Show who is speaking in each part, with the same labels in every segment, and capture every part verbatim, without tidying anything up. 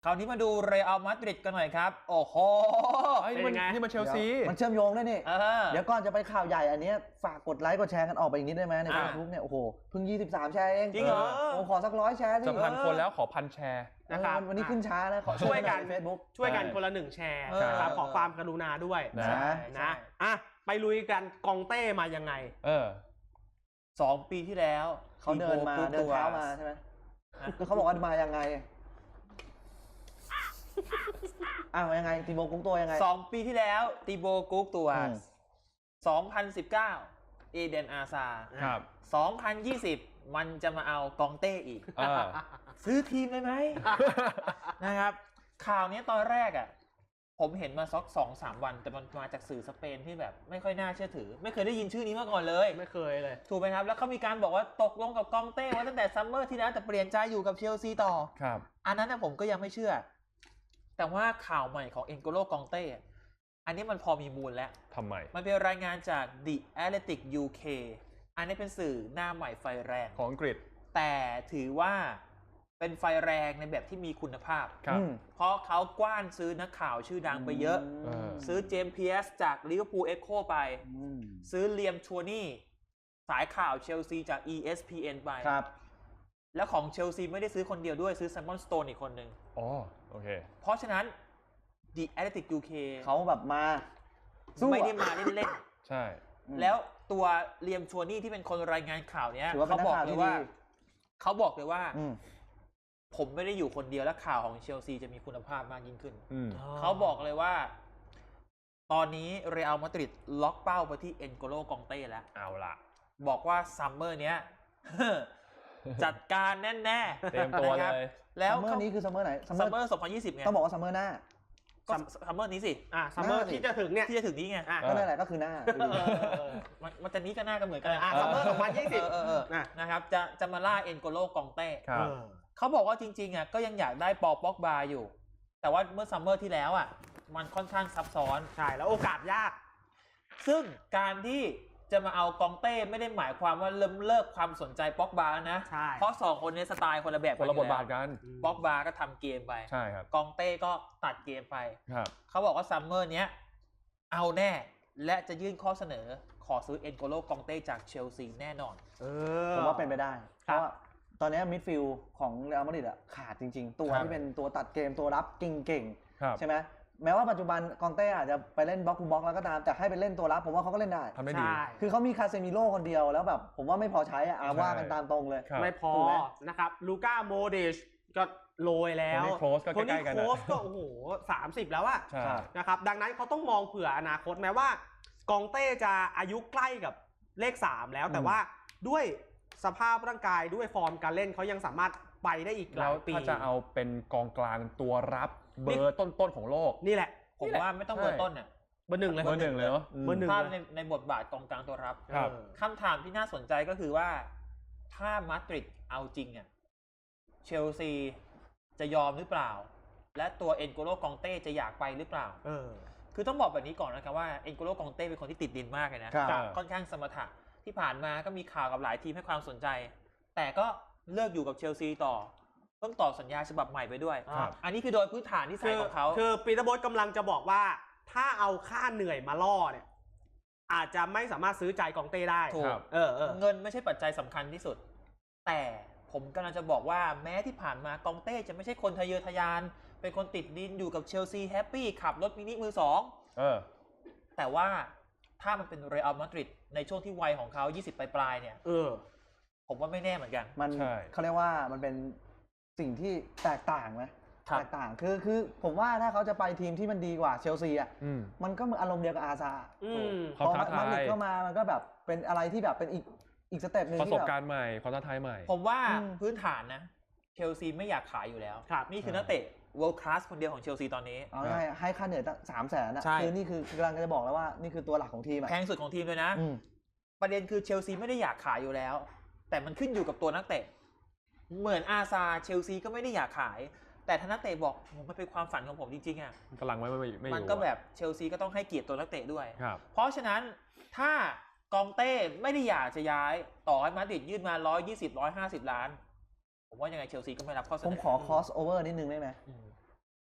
Speaker 1: คราวนี้มาดูเรอัลมาดริดกันหน่อยครับโอ้โห
Speaker 2: นี่มันนี่มันเชลซี
Speaker 3: มันเชื่อมโยงได้นี่เดี๋ยวก่อนจะไปข่าวใหญ่อันนี้ฝากกดไลค์กดแชร์กันออกไปอีกนิดได้ไหมในเฟซบุ๊กเนี่ยโอ้โหเพิ่งยี่สิบสามแชร์เอง
Speaker 1: จริงเหรอ
Speaker 3: โอ้ขอสักร้อยแชร์
Speaker 2: จะพันคนแล้วขอพันแชร์
Speaker 3: นะครับวันนี้ขึ้นช้านะขอ
Speaker 4: ช่วยกัน
Speaker 3: เฟซบุ๊ก
Speaker 4: ช่วยกันคนละหนึ่งแชร์ครับขอความกรุณาด้วย
Speaker 3: นะ
Speaker 4: นะอ่ะไปลุยกันกองเต้มายังไง
Speaker 2: เออ
Speaker 1: สองปีที่แล้ว
Speaker 3: เขาเดินมาเดินเท้ามาใช่ไหมแล้วเขาบอกว่ามายังไงอ้าวยังไงตีโบกุ๊กตัวยังไง
Speaker 1: สองปีที่แล้วตีโบกุ๊กตัวสองพันสิบเก้าเอเดนอาซา
Speaker 2: ครับ
Speaker 1: สองพันยี่สิบมันจะมาเอากองเต้อีกซื้อทีมเลยไหม นะครับข่าวนี้ตอนแรกอ่ะผมเห็นมาสักสองสามวันแต่มันมาจากสื่อสเปนที่แบบไม่ค่อยน่าเชื่อถือไม่เคยได้ยินชื่อนี้มาก่อนเลย
Speaker 4: ไม่เคยเลย
Speaker 1: ถูกไหมครับแล้วเขามีการบอกว่าตกลงกับกองเต้ไว้ตั้งแต่ซัมเมอร์ที่แล้วแต่เปลี่ยนใจอยู่กับเชลซีต่อ
Speaker 2: ครับ
Speaker 1: อันนั้นนะผมก็ยังไม่เชื่อแต่ว่าข่าวใหม่ของเอ็นโกโลกองเต้อันนี้มันพอมีมูลแล้ว
Speaker 2: ทำไม
Speaker 1: มันเป็นรายงานจาก The Athletic ยู เค อันนี้เป็นสื่อหน้าใหม่ไฟแรง
Speaker 2: ของอังกฤษ
Speaker 1: แต่ถือว่าเป็นไฟแรงในแบบที่มีคุณภาพ
Speaker 2: ครับ
Speaker 1: เพราะเขากว้านซื้อนักข่าวชื่อดังไปเยอะซื้อเจมส์เพียร์สจากลิเวอร์พูลเอ็กโคไปซื้อเลียมชัวนี่สายข่าวเชลซีจาก อี เอส พี เอ็น ไป
Speaker 3: ครับ
Speaker 1: แล้วของเชลซีไม่ได้ซื้อคนเดียวด้วยซื้อไซมอนสโตนอีกคนหนึ่ง
Speaker 2: อ๋อโอเค
Speaker 1: เพราะฉะนั้น The Athletic ยู เค
Speaker 3: เขาแบบมา
Speaker 1: ไม่ได้มาเล่น
Speaker 2: ๆใช่
Speaker 1: แล้วตัวเลียมชัวนี่ที่เป็นคนรายงานข่าวเนี้ยเขาบอกเลยว่าเขาบอกเลยว่าผมไม่ได้อยู่คนเดียวและข่าวของเชลซีจะมีคุณภาพมากยิ่งขึ้นเขาบอกเลยว่าตอนนี้เรอัลมาดริดล็อกเป้าไปที่เอ็นโกโลกองเต้แล้ว
Speaker 2: เอาล่ะ
Speaker 1: บอกว่าซัมเมอร์เนี้ยจัดการแน่ๆ
Speaker 2: เตรียมตัวเลย
Speaker 1: แล้ว
Speaker 3: ซัมเมอร์นี้คือซัมเมอร์ไหน
Speaker 1: ซัมเมอร์สองพันยี่สิบไง
Speaker 3: ต้องบอกว่าซัมเมอร์หน้า
Speaker 1: ก็ซัมเมอร์นี้สิ
Speaker 4: อ่าซัมเมอร์ที่จะถึงเนี่ย
Speaker 1: ที่จะถึงนี้ไง
Speaker 3: ก็นั่นแหละก็คือหน้า
Speaker 1: มันจะนี้ก็หน้ากันเหมือนกัน
Speaker 4: อ่าซัมเมอร์สองพันยี่สิบ
Speaker 1: นะครับจะจะมาล่าเอ็นโกโลกองเต้เขาบอกว่าจริงๆอ่ะก็ยังอยากได้ปอป็อกบาอยู่แต่ว่าเมื่อซัมเมอร์ที่แล้วอ่ะมันค่อนข้างซับซ้อน
Speaker 4: ใช่แล้วโอกาสยาก
Speaker 1: ซึ่งการที่จะมาเอากองเต้ไม่ได้หมายความว่าเริ่มเลิกความสนใจป็อกบาแล้วนะเพราะสองคนนี้สไตล์คนละแบบ
Speaker 2: คนละบทบาทกัน
Speaker 1: ป็อกบาก็ทำเกมไป
Speaker 2: ใช่ครับ
Speaker 1: กองเต้ก็ตัดเกมไป
Speaker 2: ครับ
Speaker 1: เขาบอกว่าซัมเมอร์เนี้ยเอาแน่และจะยื่นข้อเสนอขอซื้อเอ็นโกโลกองเต้จากเชลซีแน่นอน
Speaker 3: ผมว่าเป็นไปได้เพราะว่าตอนนี้มิดฟิลด์ของเรอัลมาดริดอ่ะขาดจริงๆตัวที่เป็นตัวตัดเกมตัวรับเก่งๆใช่ไหมแม้ว่าปัจจุบันกองเต้อาจจะไปเล่นบล็อกคูบล็อกแล้วก็ตามแต่ให้ไปเล่นตัวรับผมว่าเขาก็เล่นได้
Speaker 2: ทำได้ดี
Speaker 3: คือเขามีคาเซมิโร่คนเดียวแล้วแบบผมว่าไม่พอใช้อ่ะว่ากันตามตรงเลย
Speaker 4: ไม่พอนะครับลูก้าโมเดชก็โรยแล้ว
Speaker 2: โคนี่โค้ช
Speaker 4: ก็โอ้โหสามสิบแล้วอะนะครับดังนั้นเขาต้องมองเผื่ออนาคตแม้ว่ากองเต้จะอายุใกล้กับเลขสามแล้วแต่ว่าด้วยสภาพร่างกายด้วยฟอร์มการเล่นเขายังสามารถไปได้อีกหลายปี
Speaker 2: ถ้าจะเอาเป็นกองกลางตัวรับเบอร์ต้นๆของโลก
Speaker 4: นี่แหละ
Speaker 1: ผมว่าไม่ต้องเบอร์ต้นเนี่ย
Speaker 4: เบอร์หนึ่งเลย
Speaker 2: เบอร์หนึ่งเลยเนาะ
Speaker 4: เบอร์หนึ่ง
Speaker 1: ถ้าในในบทบาทกองกลางตัวรับคำถามที่น่าสนใจก็คือว่าถ้ามาดริดเอาจริงอ่ะเชลซีจะยอมหรือเปล่าและตัวเอ็นโกโลกองเต้จะอยากไปหรือเปล่า
Speaker 4: เออ
Speaker 1: คือต้องบอกแบบนี้ก่อนนะครับว่าเอ็นโกโลกองเต้เป็นคนที่ติดดินมากเลยนะค่อนข้างสมถะที่ผ่านมาก็มีข่าวกับหลายทีมให้ความสนใจแต่ก็เลิกอยู่กับเชลซีต่อเพิ่งต่อสัญญาฉบับใหม่ไปด้วยอันนี้คือโดยพื้นฐานที่ใส่ของเขา
Speaker 4: คือปีเตอร์โบ๊ทกำลังจะบอกว่าถ้าเอาค่าเหนื่อยมาล่อเนี่ยอาจจะไม่สามารถซื้อใจกองเต้ได้
Speaker 1: ถูกเออเงินไม่ใช่ปัจจัยสำคัญที่สุดแต่ผมกำลังจะบอกว่าแม้ที่ผ่านมากองเต้จะไม่ใช่คนทะเยอทะยานเป็นคนติดดินอยู่กับเชลซีแฮปปี้ขับรถมินิมือสอง
Speaker 2: เออ
Speaker 1: แต่ว่าถ้ามันเป็นเรอัลมาดริดในช่วงที่วัยของเขายี่สิบปลายๆเนี่ย
Speaker 4: เออ
Speaker 1: ผมว่าไม่แน่เหมือนกัน
Speaker 3: มันเขาเรียกว่ามันเป็นสิ่งที่แตกต่างไหมแตกต่างคือคือผมว่าถ้าเขาจะไปทีมที่มันดีกว่าเชลซีอ่ะมันก็เหมือนอารมณ์เดียวกับอาซาพอมาดริดเข้ามามันก็แบบเป็นอะไรที่แบบเป็นอีกอีกสเต็ปนึง
Speaker 2: ประสบการณ์ใหม่ความท้าทายใหม่
Speaker 1: ผมว่าพื้นฐานนะเชลซีไม่อยากขายอยู่แล้วนี่คือนักเตะ world class คนเดียวของเชลซีตอนนี้
Speaker 3: เอาง่ายให้ค่าเหนื่อยตั้งสามแสนนะคือนี่คือกำลังจะบอกแล้วว่านี่คือตัวหลักของทีม
Speaker 1: แพงสุดของทีมเลยนะประเด็นคือเชลซีไม่ได้อยากขายอยู่แล้วแต่มันขึ้นอยู่กับตัวนักเตะเหมือนอาซาเชลซีก็ไม่ได้อยากขายแต่ถ้านักเตะบอกมันเป็นความฝันของผมจริงๆอ่ะ
Speaker 2: กำลังไม่ไม่ไม่
Speaker 1: มันก็แบบเชลซีก็ต้องให้เกียรติตัวนักเตะด้วย
Speaker 2: เพ
Speaker 1: ราะฉะนั้นถ้ากองเต้ไม่ได้อยากจะย้ายต่อให้มาดริดยื่นมาหนึ่งร้อยยี่สิบ หนึ่งร้อยห้าสิบล้านผมว่ายังไงเชลซีก็ไม่รับข้อเสนอ
Speaker 3: ผมขอคอสโอเวอร์นิดนึงได้ไหม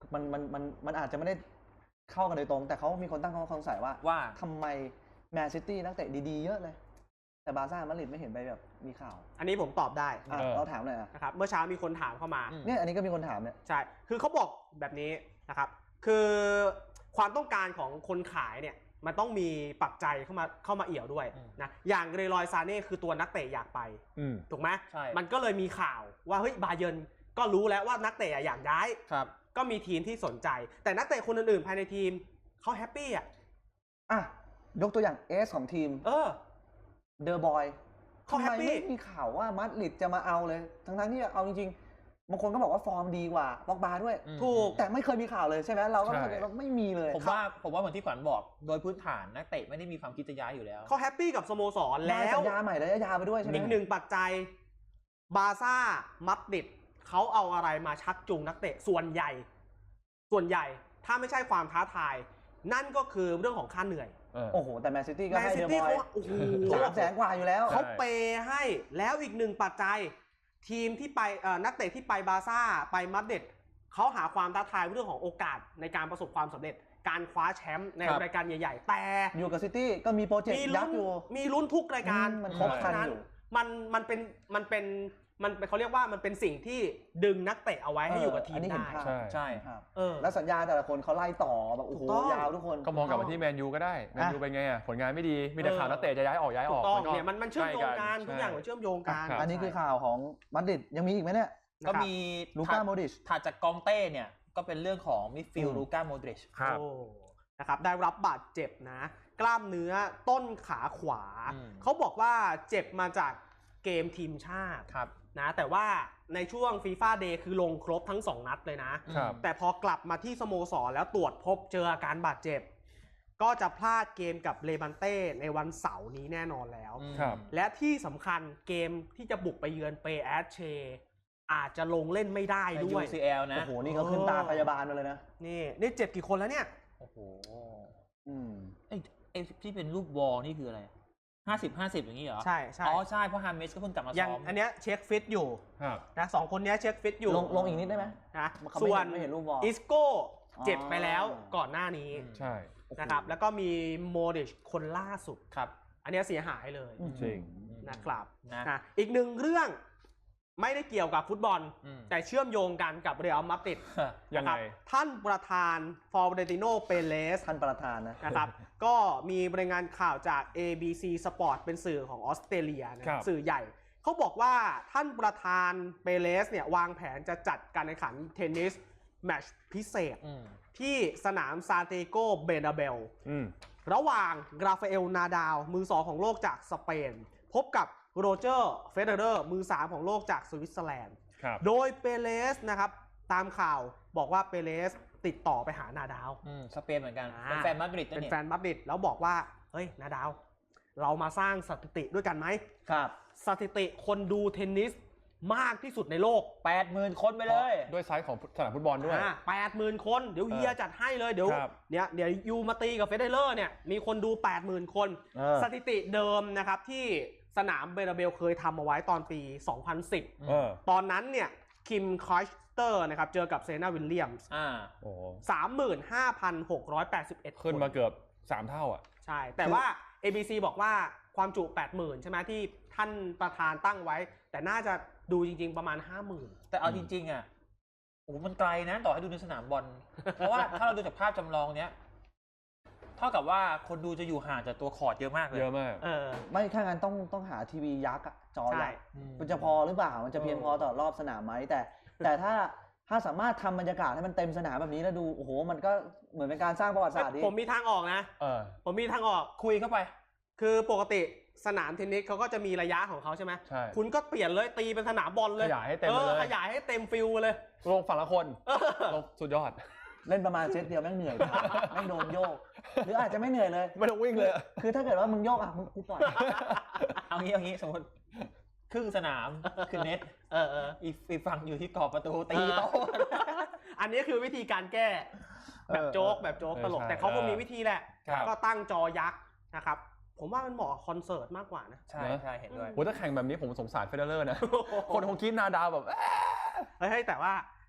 Speaker 3: มันมันมันมันอาจจะไม่ได้เข้ากันโดยตรงแต่เขามีคนตั้งข้อสงสัยว่า
Speaker 1: ว่า
Speaker 3: ทำไมแมนซิตี้นักเตะดีๆเยอะเลยแต่บาร์ซ่ามาดริดไม่เห็นไปแบบมีข่าว
Speaker 4: อันนี้ผมตอบได้
Speaker 3: เราถามเลย
Speaker 4: นะครับเมื่อเช้ามีคนถามเข้ามา
Speaker 3: เนี่ยอันนี้ก็มีคนถามเนี่ย
Speaker 4: ใช่คือเขาบอกแบบนี้นะครับคือความต้องการของคนขายเนี่ยมันต้องมีปัจจัยเข้ามาเข้ามาเอี่ยวด้วยนะอย่างเรลอยซาเน่คือตัวนักเตะอยากไปถูกไหมมันก็เลยมีข่าวว่าเฮ้ยบาเยิร์นก็รู้แล้วว่านักเตะอยากย้ายก็มีทีมที่สนใจแต่นักเตะคนอื่นๆภายในทีมเขาแฮปปี้อ่ะ
Speaker 3: อ่ะยกตัวอย่างเอสของทีม
Speaker 4: เออ
Speaker 3: เดอะบอย
Speaker 4: เขาแฮปปี้
Speaker 3: ไม่มีข่าวว่ามาดริดจะมาเอาเลยทั้งๆที่เอาจริงๆบางคนก็บอกว่าฟอร์มดีกว่าป็อกบาด้วย
Speaker 4: ถูก
Speaker 3: แต่ไม่เคยมีข่าวเลยใช่ไหมเราก็เราไม่มีเลย
Speaker 1: ผมว่าผมว่าเหมือนที่ขวัญบอกโดยพื้นฐานนักเตะไม่ได้มีความคิดจะย้ายอยู่แล้ว
Speaker 4: เขาแฮปปี้กับสโมสรแล้ว
Speaker 3: สัญญาใหม่ระยะยาวไปด้วยใช่ไหม
Speaker 4: อีกหนึ่งปัจจัยบาร์ซ่ามาดริดเขาเอาอะไรมาชักจูงนักเตะส่วนใหญ่ส่วนใหญ่ถ้าไม่ใช่ความท้าทายนั่นก็คือเรื่องของค่าเหนื่อย
Speaker 3: โอ้โหแต่แมนซิตี้ก็ให้เดอะบอย
Speaker 4: โอ้โห
Speaker 3: สามแสนกว่าอยู่แล้ว
Speaker 4: เขาเปย์ให้แล้วอีกหนึ่งปัจจัยทีมที่ไปนักเตะที่ไปบาร์ซ่าไปมาดริดเขาหาความท้าทายเรื่องของโอกาสในการประสบความสำเร็จการคว้าแชมป์ในรายการใหญ่ๆแต่
Speaker 3: อยู่กับซิตี้ก็มีโปรเจกต์ยักษ์อยู่
Speaker 4: มีลุ้นทุกรายการ
Speaker 3: เพราะ
Speaker 4: ฉะนั้นมันมันเป็นมันเป็นมันเขาเรียกว่ามันเป็นสิ่งที่ดึงนักเตะเอาไว้ให้อยู่กับทีมได้
Speaker 3: ใช่
Speaker 1: ใช่
Speaker 3: ครับแล้วสัญญาแต่ละคนเขาไล่ต่อแบบโอ้โหยาวทุกคน
Speaker 2: ก็มองกลับมาที่แมนยูก็ได้แมนยูเป็นไงอ่ะผลงานไม่ดีมีแต่ข่าวนักเตะจะย้ายออกย้ายออก
Speaker 4: ต้องเนี่ยมันมันเชื่อมโยงกันทุกอย่างมันเชื่อมโยงกัน
Speaker 3: อันนี้คือข่าวของมาดริดยังมีอีกไหมเนี่ย
Speaker 1: ก็มี
Speaker 3: ลูก้าโมดริช
Speaker 1: ถัดจากกองเต้เนี่ยก็เป็นเรื่องของมิดฟิลด์ลูก้าโมดริช
Speaker 4: นะครับได้รับบาดเจ็บนะกล้ามเนื้อต้นขาขวาเขาบอกว่าเจ็บมาจากเกมทีมชาตินะแต่ว่าในช่วงฟีฟ่าเดย์คือลงครบทั้งสองนัดเลยนะแต่พอกลับมาที่สโมสรแล้วตรวจพบเจออาการบาดเจ็บก็จะพลาดเกมกับเลบันเต้ในวันเสาร์นี้แน่นอนแล้วและที่สำคัญเกมที่จะบุกไปเยือนเปแอชเชอาจจะลงเล่นไม่ได้ด้วย
Speaker 1: ยู ซี แอล นะ
Speaker 3: โอ้โหนี่เขาขึ้นตาพยาบาลมาเลยนะ
Speaker 4: นี่นี่เจ็บกี่คนแล้วเนี่ย
Speaker 1: โอ้โหอืมไอ้ไอ้ที่เป็นรูปวอลนี่คืออะไรห้าสิบ ห้าสิบอย่างนี้เหรอ
Speaker 4: ใช่ใช่
Speaker 1: อ๋อใช่เพราะฮามิสก็เพิ่งกลับมาซ้อม
Speaker 4: อันเนี้ยเช็คฟิตอยู่นะสองคนนี้เช็คฟิตอยู่
Speaker 3: ลงลงอีกนิดได้ไหม
Speaker 4: นะส่วนอิสโก้เจ็บไปแล้วก่อนหน้านี้
Speaker 2: ใช่
Speaker 4: นะครับแล้วก็มีโมดิชคนล่าสุด
Speaker 1: ครับ
Speaker 4: อันนี้เสียหายเลย
Speaker 2: จริง
Speaker 4: นะครับนะอีกหนึ่งเรื่องไม่ได้เกี่ยวกับฟุตบอลแต่เชื่อมโยงกันกับเรอัลมาดริด
Speaker 2: ยังไง
Speaker 4: ท่านประธานฟลอเรนติโนเปเรส
Speaker 3: ท่านประธานนะ
Speaker 4: นะครับก็มีรายงานข่าวจาก เอ บี ซี Sport เป็นสื่อของออสเตรเลียนะสื่อใหญ่เขาบอกว่าท่านประธานเปเรสเนี่ยวางแผนจะจัดการแข่งขันเทนนิสแมตช์พิเศษที่สนามซานติโกเบร์นาเบลระหว่างราฟาเอลนาดาลมือสองของโลกจากสเปนพบกับโรเจอร์เฟเดอร์มือสามของโลกจากสวิตเซอร์แลนด์โดยเปเรสนะครับตามข่าวบอกว่าเปเรสติดต่อไปหานาดาล
Speaker 1: สเปนเหมือนกันเป็นแฟนมาดริด
Speaker 4: เป็นแฟนมาดริดแล้วบอกว่าเฮ้ยนาดาลเรามาสร้างสถิติด้วยกันไหม
Speaker 3: ครับ
Speaker 4: สถิติคนดูเทนนิสมากที่สุดในโลก
Speaker 1: แปดหมื่น คนไปเลย
Speaker 2: ด้วยไซส์ของสนามฟุตบอลด้วย
Speaker 4: แปดหมื่น คนเดี๋ยวเฮียจัดให้เลยเดี๋ยวเนี่ยเดี๋ยวยูมาตีกับเฟเดอร์เนี่ยมีคนดู แปดหมื่น คนสถิติเดิมนะครับที่สนามเบร์นาเบลเคยทำเอาไว้ตอนปี สองพันสิบ ตอนนั้นเนี่ยคิมคอยสเตอร์นะครับเจอกับเซนาวิลเลียมส์สามหมื่นห้าพันหกร้อยแปดสิบเอ็ด
Speaker 2: ขึ้นมาเกือบสามเท่าอ่ะ
Speaker 4: ใช่แต่ว่า เอ บี ซี บอกว่าความจุ แปดหมื่น ใช่ไหมที่ท่านประธานตั้งไว้แต่น่าจะดูจริงๆประมาณ ห้าหมื่น
Speaker 1: แต่เอาจริงๆอ่ะโอ้มันไกลนะต่อให้ดูในสนามบอลเพราะว่าถ้าเราดูจากภาพจำลองเนี้ยเท่ากับว่าคนดูจะอยู่ห่างจากตัวคอร์ตเยอะมากเลย
Speaker 2: เยอะมาก
Speaker 3: เออไม่ถ้างั้นต้องต้องหาทีวียักษ์จอใหญ่มันจะพอหรือเปล่ามันจะเพียงพอต่อรอบสนามไหมแต่แต่ถ้าถ้าสามารถทำบรรยากาศให้มันเต็มสนามแบบนี้แล้วดูโอ้โหมันก็เหมือนเป็นการสร้างประวัติศาสตร์ดิ
Speaker 4: ผมมีทางออกนะ
Speaker 2: เออ
Speaker 4: ผมมีทางออกคุยเข้าไปคือปกติสนามเทนนิสเขาก็จะมีระยะของเขาใช่ไหม
Speaker 2: ใช่
Speaker 4: คุณก็เปลี่ยนเลยตีเป็นสนามบอลเลย
Speaker 2: ขยายให้เต็มเลย
Speaker 4: ขยายให้เต็มฟิลเลย
Speaker 2: ลงฝั่งละคนลงสุดยอด
Speaker 3: เล่นประมาณเซตเดียวแม่งเหนื่อยแม่งโดนโยกหรืออาจจะไม่เหนื่อยเลย
Speaker 2: ไม่ต้องวิ่งเลย
Speaker 3: คือถ้าเกิดว่ามึงโยกอ่ะมึงกูปล่อย
Speaker 1: เอางี้เอางี้สมมติครึ่งสนามคือเน็ต
Speaker 4: เออเออ
Speaker 1: อีกฝั่งอยู่ที่กรอบประตูตีโต๊ะ
Speaker 4: อันนี้คือวิธีการแก้แบบโจ๊กแบบโจ๊กตลกแต่เขาก็มีวิธีแหละก็ตั้งจอยักษ์นะครับผมว่ามันเหมาะคอนเสิร์ตมากกว่านะ
Speaker 1: ใช่ใช่เห็นด้วย
Speaker 2: โหถ้าแข่งแบบนี้ผมสงสารเฟเดอร์นะคนคงคิดนาดาวแบบ
Speaker 4: เฮ้ยแต่ว่า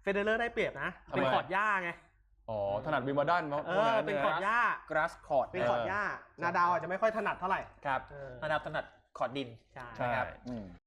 Speaker 4: เฟเดเลอร์ได้เปรียบนะเป็นคอร์ดหญ้าไง
Speaker 2: อ๋อถนัดวิมเบิลดันมั้ง
Speaker 4: เออเป็นคอร์ดหญ้า
Speaker 1: grass court
Speaker 4: เป็นคอร์ดหญ้านาดาวอาจจะไม่ค่อยถนัดเท่าไหร่
Speaker 1: ครับนาดาวถนัดคอร์ดดิน
Speaker 2: ใช่
Speaker 1: ครับ